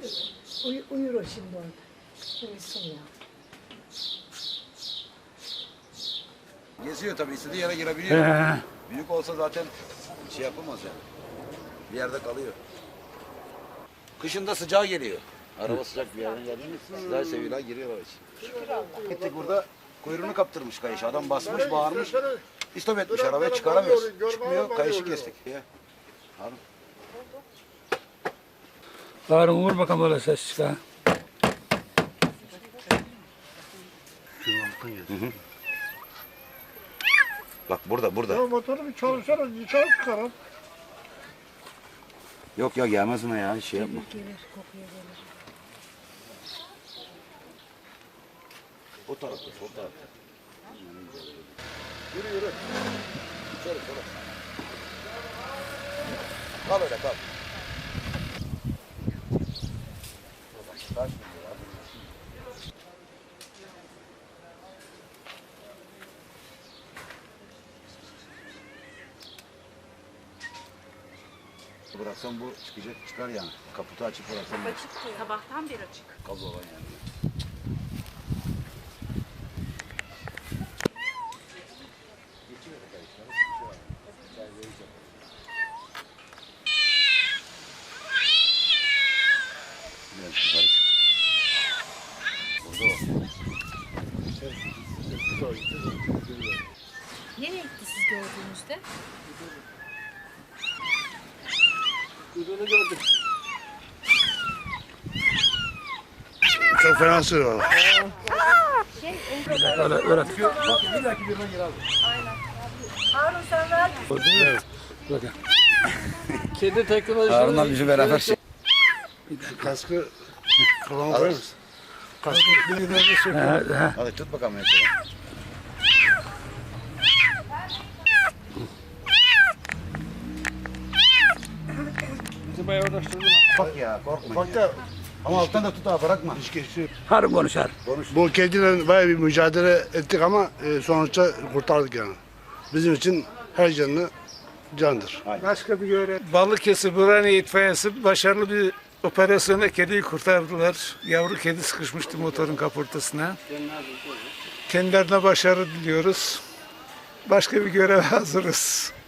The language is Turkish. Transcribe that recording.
Uyur o şimdi orada. Uyusun ya. Geziyor tabii, istediği yere girebiliyor. Büyük olsa zaten şey yapamaz yani. Bir yerde kalıyor. Kışında sıcağı geliyor. Araba sıcak bir yerden geldiğinde sıcağı seviyorlar, giriyorlar içine. Gittik burada kuyruğunu kaptırmış kayış. Adam basmış, bağırmış. İstop etmiş, arabaya çıkaramıyoruz. Çıkmıyor, kayışı kestik. Harun. Harun vur bakalım öyle ses çıkar. Bak burada. Ya motoru bir çalışsana, çalıp çıkarın. Yok ya, gelmez ona ya, şey yapma. Gelir, kokuya gelir. O tarafta, sol tarafta. Yürü. Şöyle. Kal öyle, kal. Bıraksan bu çıkar yani. Kaputu açıp bıraksan. Açık, sabahtan beri açık. Kaz olan yani. Biraz yukarı çık. Burada o. Nereye gitti siz gördüğünüzde? Kuyruğunu gördük. Çok fena sığıyor. Öyle. Bir dahaki birine gir abi. Harun sen ver. Bakın. Kedi teknolojisi. Harun'la bizi beraber şey. Kaskı kafama koyar mısın? Kaskı bir de sök. Hadi tut bakalım mesela. Bizi bayağı uğraştırdı. Bak ya, korkma. Bak da Ama alttan da tut ha, bırakma. hiç geçti. Harun konuşar. Bu kediyle bayağı bir mücadele ettik ama sonuçta kurtardık yani. Bizim için her canlı candır. Başka bir görev. Balıkesir Burhaniye İtfaiyesi başarılı bir operasyonla kediyi kurtardılar. Yavru kedi sıkışmıştı motorun kaportasına. Kendilerine başarı diliyoruz. Başka bir göreve hazırız.